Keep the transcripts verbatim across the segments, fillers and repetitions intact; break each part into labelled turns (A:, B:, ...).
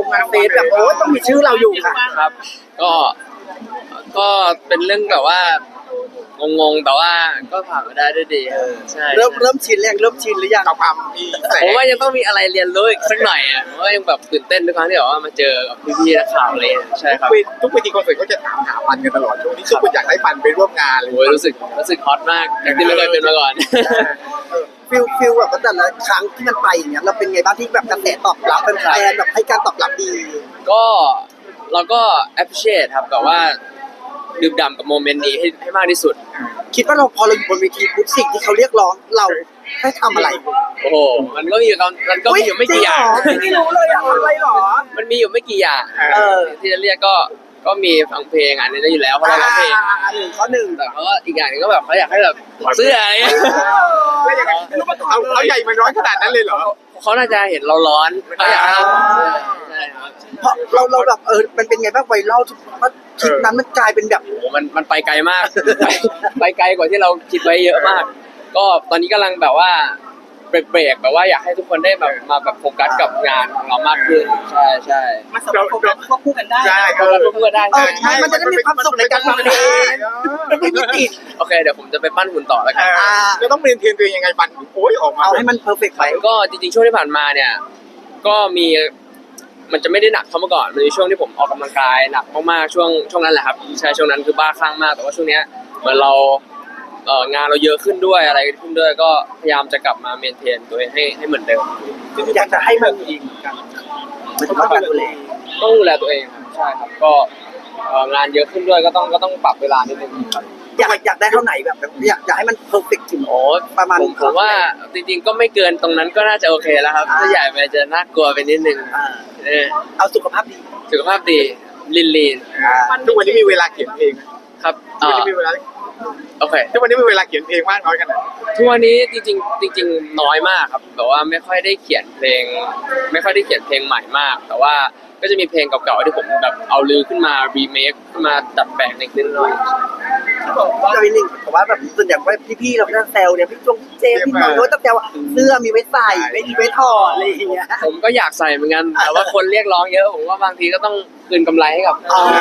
A: งานเฟสแบบโอ้ต้องมีชื่อเราอยู่ค่ะ
B: ครับก็ก็เป็นเรื่องแบบว่างงๆแต่ว่าก็ผ่านมาได้ด้วยดีใช่
A: เริ่มเริ่มชินแล้วเริ่มชินหรือยัง
C: กับความมีแสง
B: ผมว่ายังต้องมีอะไรเรียนรู้อีกสักหน่อยอ่ะผมว่ายังแบบตื่นเต้นทุกครั้งที่แบบว่ามาเจอกับพี่ๆนักข่าวอะไรใช่ครับ
C: ทุกเวทีคอนเสิร์ตเขาจะถามหาปันกันตลอดช่วงนี้ทุกคนอยากได้ปันไปร่วมงานเลย
B: โอ้ยรู้สึกรู้สึกฮอตมากอย่างที่ไม่เคยเป็นมาก่อน
A: ฟิลฟิลแบบว่าแต่ละครั้งที่มันไปอย่างเงี้ยเราเป็นไงบ้างที่แบบกระแสตอบรับแฟนๆแบบให้การตอบรับดี
B: ก็เราก็ appreciate ครับแบบว่าดื่มด่ำกับโมเมนต์นี้ให้ให้มากที่สุด
A: คิดว่าเราพอเราอยู่บนเวทีปุ๊บสิ่งที่เขาเรียกร้องเราให้ทำอะไร
B: โอ้โหมันก็มีอยู่มันก็มีอยู่ไม่กี่อย่าง
A: ไม่รู้เลยอะอะไรหรอ
B: มันมีอยู่ไม่กี่อย่าง
A: เออ
B: ที่จะเรียกก็ก็มีฟังเพลงอันนี้ได้อยู่แล้วเพราะเราร้องเพลง
A: หนึ่งข้อหนึ่ง
B: แต่เขาก็อีกอย่างหนึงก็แบบเขาอยากให้แบบถอดเสื้ออะไรเงี้ย
C: แล้วยังไงเอาเขาใหญ่มันร้อนขนาดนั้นเลยเหรอ
B: เขาน่าจะเห็นเราร้อนเขาอยากให้เราถอดเสื้อใช่ครับ
A: เพราะเราเราแบบเออมันเป็นไงบ้างไวรัลทุกว่าคลิปนั้นมันกลายเป็นแบบ
B: โอ้โหมันมันไปไกลมาก ไปไปไกลกว่าที่เราคิดไว้เยอะมาก ก็ตอนนี้กำลังแบบว่าเบรกๆแบบว่าอยากให้ทุกคนได้แบบมาแบบโฟกัสกับงานของเรามากขึ้นใช่ใช่
D: มาสามารถควบคู่กันได้
C: ใช่
B: โฟกัสเพื่อได้
A: เออใช่มันจะได้มีความสุขในการทำเพลงไม่มีติด
B: โอเคเดี๋ยวผมจะไปปั้นหุ่นต่อแล้วกัน
C: เราต้องเรียนเทรนตัวเองยังไงปันโอ้ยออกมา
A: เอาให้มันเพอร์เฟกต์ไป
B: ก็จริงๆช่วงที่ผ่านมาเนี่ยก็มีมันจะไม่ได้หนักเท่าเมื่อก่อนมันมีช่วงที่ผมออกกำลังกายหนักมากๆช่วงช่วงนั้นแหละครับใช่ช่วงนั้นคือบ้าคลั่งมากแต่ว่าช่วงเนี้ยเหมือนเราเอ่องานเราเยอะขึ้นด้วยอะไรขึ้นด้วยก็พยายามจะกลับมาเมนเทนตัวเองให้ให้เหมือนเดิม
A: อยากจะให้มันมันต้องการดูแล
B: ต้องดูแลตัวเองครับใช่ครับก็เอ่องานเยอะขึ้นด้วยก็ต้องก็ต้องปรับเวลานิดนึงครับ
A: อยากอยากได้เท่าไหนแบบแบบอยากอยากให้มันเพอร์เฟกต์ถึง
B: โอ้
A: ประมาณ
B: ผมผมว่าจริงๆก็ไม่เกินตรงนั้นก็น่าจะโอเคแล้วครับถ้าใหญ่ไปจะน่ากลัวไปนิดนึง
A: อ่า
B: เออ
A: เอาสุขภาพดี
B: สุขภาพดีลีนลีน
C: ทุกวันนี้มีเวลาเขียนเพลง
B: ครับ
C: ทุก
B: อ่า
C: วันนี้มีเวลา
B: โอเค
C: ทุกวันนี้มีเวลาเขียนเพลงมากน้อยขนาด
B: ทุกวันนี้จริงๆจริงๆน้อยมากครับแบบว่าไม่ค่อยได้เขียนเพลง ไม่ค่อยได้เขียนเพลงใหม่มาก แต่ว่าก็จะมีเพลงเก่าๆที่ผมแบบเอาลือขึ้นมารีเมคขึ้นมาดัดแปลงนิดๆหน่อย
A: จะมีหนึ่งแต่ว่าแบบส่วนใหญ่ว่าพี่ๆเราก็จะแซวเนี่ยพี่จงเจพี่น้องก็จะแซวว่าเสื้อมีไว้ใส่ไม่มีไว้ถอดอะไรอย่างเงี้ย
B: ผมก็อยากใส่เหมือนกันแต่ว่าคนเรียกร้องเยอะผมว่าบางทีก็ต้องคืนกำไรให้กับ
A: อ๋อ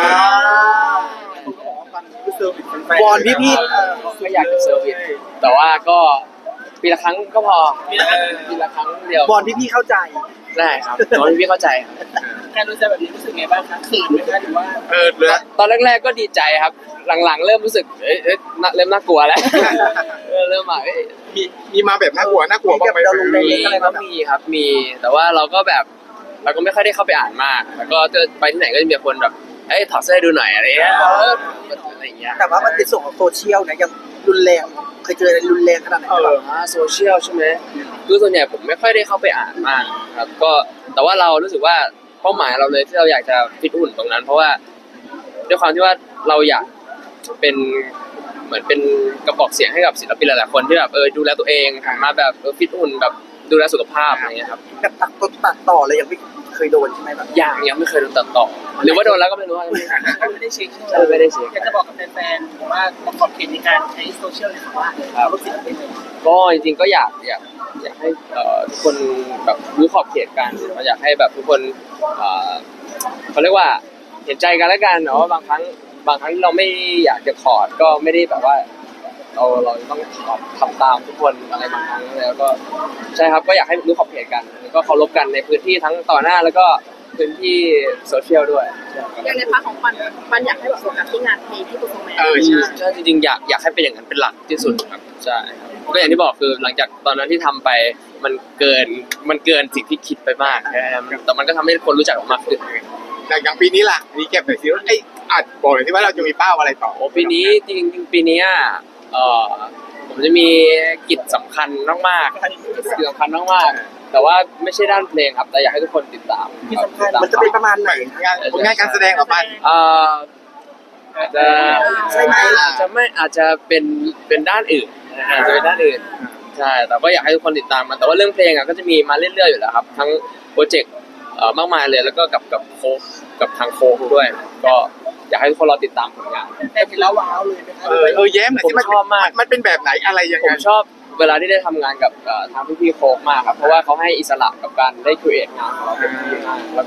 A: วอนพี่
B: ก็อยากจะเซอร์วิสแต่ว่าก็ปีละครั้งก็พอปีละครั้งเดียว
A: บอลพี่ๆเข้าใจ
B: ได้ครับตอนที่พี่เข้าใจครับ
D: การดูใจแบบนี้รู้สึกไงบ้างคะเขินไหมคะหรือว่า
C: เออเหลือ
B: ตอนแรกๆก็ดีใจครับ หลังๆ เริ่มรู้สึกเอ้ยเอ้ยน่าเริ่มน่ากลัวแล้วเออเริ่มมาเอ้ย
C: มีมีมาแบบน่ากลัวน่ากลัวบ้างไหม
A: เราลงใน
B: มีก็มีครับมี แต่ว่าเราก็แบบเราก็ไม่ค่อยได้เข้าไปอ่านมาก แล้วก็จะไปที่ไหนก็จะมีคนแบบเอ้ยถอดเสื้อให้ดูหน่อยอะไรเงี้ยเอออะไรอย่างเงี้ย
A: แต่ว่ามันเป็นส่วนของโซเชียลนะยังรุนแรงเคยเจออะไรรุนแรงขนาดไหน
C: เออ
B: อ่าโซเชียลใช่ไหมคือส่วนใหญ่ผมไม่ค่อยได้เข้าไปอ่านมากครับก็แต่ว่าเรารู้สึกว่าเป้าหมายเราเลยที่เราอยากจะฟิตหุ่นตรงนั้น เพราะว่าด้วยความที่ว่าเราอยากเป็นเหมือนเป็นกระบอกเสียงให้กับศิลปินหลายๆคนที่แบบเออดูแลตัวเองหันมาแบบเออฟิตหุ่นแบบดูแลสุขภาพอะไรเงี้ยครับ
A: แบบตัดต่อตัดต่อเลยยังไม่เคยโดนใช่ไหมแบบ
B: อย่างยังไม่เคยโดนตัดต่อหรือว่าโดนแล้วก็ไม่รู้ว่า
D: ไม่ได้เช็ค
B: ใช่ไม่ได้เช็ค
D: อยากจะบอกกับแฟนๆว่าขอบเขตในการใช้โซเชียลเลยค่ะว่าเรารู้สึกเป็นยังไง
B: ก็จริงๆก็อยากอยากอยากให้เอ่อทุกคนแบบรู้ขอบเขตกันอยากให้แบบทุกคนเอ่อเขาเรียกว่าเห็นใจกันแล้วกันเนาะบางครั้งบางครั้งเราไม่อยากจะถอดก็ไม่ได้แบบว่าเราเราต้องถอดทำตามทุกคนอะไรบางครั้งแล้วก็ใช่ครับก็อยากให้รู้ขอบเขตกันแล้วก็เคารพกันในพื้นที่ทั้งต่อหน้าแล้วก็พื้นที่โซเชียลด้วย
E: อย่างในพาร์ทของปันปันอยากให้แบบโฟกัสที่งานเพลงที่เปอร์ฟอร์แมนซ์
C: เออใช่
B: ใช่จริงๆอยากอยากให้เป็นอย่างนั้นเป็นหลักที่สุดครับใช่ครับก็อย่างที่บอกคือหลังจากตอนนั้นที่ทำไปมันเกินมันเกินสิ่งที่คิดไปมากนะครับแต่มันก็ทำให้คนรู้จักเรามากขึ้น
C: แต่อย่างปีนี้ล่ะนี่เก็บหน่อยสิว่าไอ้อาจบอกหน่อยที่ว่าเราจะมีเป้าอะไรต่อ
B: โอ้ปีนี้จริงๆปีนี้เอ่อผมจะมีกิจสำคัญมากๆกิจสำคัญมากๆแต่ว่าไม่ใช่ด้านเพลงครับแต่อยากให้ทุกคนติดตาม
A: ที่สำคัญมันจะเป็นประมาณไหน
C: งานผลงานการแสดงของมัน
B: เอ่ออาจจะ
A: ใช่ไหม
B: อาจจะไม่อาจจะเป็นเป็นด้านอื่นอาจจะเป็นด้านอื่นใช่แต่ก็อยากให้ทุกคนติดตามมันแต่ว่าเรื่องเพลงอ่ะก็จะมีมาเรื่อยๆอยู่แล้วครับทั้งโปรเจกต์เอ่อมากมายเลยแล้วก็กับกับโค้ชกับทางโค้ชด้วย ก็อยากให้ทุกคนรอติดตามผลงาน
D: แต่เห็นแล้วว้าวเลยนะคะ
C: เออเออแย้มหน่อยสิ
B: ผมชอบมาก
C: มันเป็นแบบไหนอะไรยัง
B: ผ
C: ไง
B: มชอบเวลาที่ได้ทำงานกับเอ่อทางพี่ๆโค้ชมากครับเพราะว่าเขาให้อิสระกับการได้ครีเอทงานของเราเป็นที่มากแล้วก็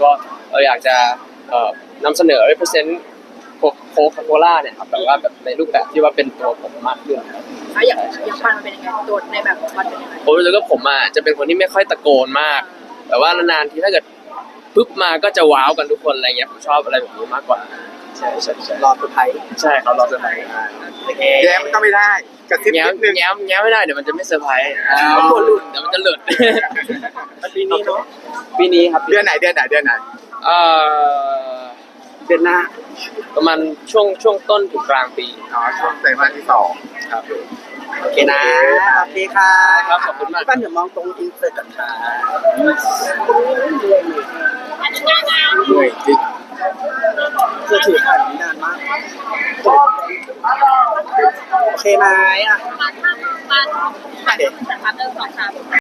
B: เราอยากจะเอ่อนำเสนอ represent โค้กโคล่าเนี่ยครับแบบว่าแบบในรูปแบบที่ว่าเป็นตัวผมมากขึ้นครับ
E: แล้วอย่างอย่างปันมันเป็นยังไงตัวในแบบของปันเป็นยังไง
B: ผมรู้สึกว่าผมอ่ะจะเป็นคนที่ไม่ค่อยตะโกนมาก แต่ว่านานๆทีถ้าเกิดปุ๊บมาก็จะว้าวกันทุกคนอะไรเงี้ยผมชอบอะไรแบบนี้มากกว่าใช่ใช่ใช่
A: รอสุดท้าย
B: ใช่ครับเราเซอร์ไพรส์
A: โอเค
C: แย้มก็ไม่ได้กระซิบ
B: แง้
C: นิ
B: ม
C: ดนึง
B: แง้มแง้มไม่ได้เดี๋ยวมันจะไม่เซอร์ไพรส์
A: อ๋อ
B: เดี๋ยวมันจะหลุด
A: ปีนี้เนาะ
B: ปีนี้ครับ
C: เดือนไหนเดือนไหนเดือนไหน
B: เอ่อ
A: เดือนหน้า
B: ประมาณช่วงช่วงต้นถึงกลางปี
C: อ๋อช่วงไตรมาสที่สอง
B: ครับ
A: โอเคนะโอเคค่ะ
B: ครับขอบคุณมาก
A: พี่ปั้นเดี๋ยวมองตรงอินเสิร์ตก่อนค่ะ
C: เหนื่อยจริง
A: คือถือถ่ายนี้นานมากโอเคไหมอ่ะ
E: ปันปันปันถ่ายรูปจากพาร์ทเนอร์สองสาม